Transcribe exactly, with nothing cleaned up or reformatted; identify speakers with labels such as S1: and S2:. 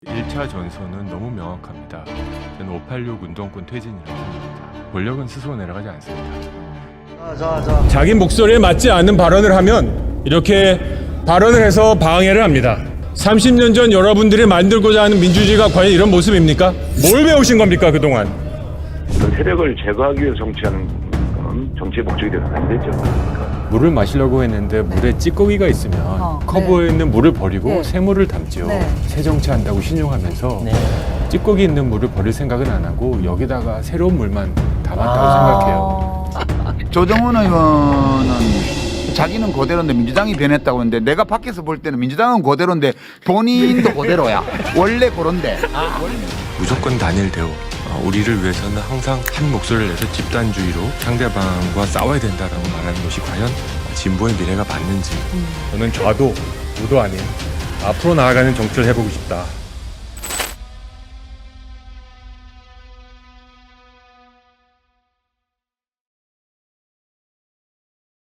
S1: 일 차 전선은 너무 명확합니다. 저는 오팔육 운동권 퇴진이라고 생각합니다. 권력은 스스로 내려가지 않습니다.
S2: 자, 자.
S3: 자기 목소리에 맞지 않는 발언을 하면 이렇게 발언을 해서 방해를 합니다. 삼십 년 전 여러분들이 만들고자 하는 민주주의가 과연 이런 모습입니까? 뭘 배우신 겁니까 그동안?
S4: 세력을 제거하기 위해서 정치하는 건 정치의 목적이 되면 안 되죠.
S1: 물을 마시려고 했는데 물에 찌꺼기가 있으면
S5: 어,
S1: 커버에 있는 물을 버리고
S5: 네.
S1: 새물을 담죠.
S5: 네.
S1: 새 정치한다고 신용하면서
S2: 네.
S1: 찌꺼기 있는 물을 버릴 생각은 안 하고 여기다가 새로운 물만 담았다고
S5: 아.
S1: 생각해요.
S6: 조정훈 의원은 자기는 그대로인데 민주당이 변했다고 했는데 내가 밖에서 볼 때는 민주당은 그대로인데 본인도 그대로야. 원래 그런데.
S1: 무조건 단일 대우. 어, 우리를 위해서는 항상 한 목소리를 내서 집단주의로 상대방과 싸워야 된다라고 말하는 것이 과연 진보의 미래가 맞는지.
S3: 저는 좌도 우도 아닌 앞으로 나아가는 정치를 해보고 싶다.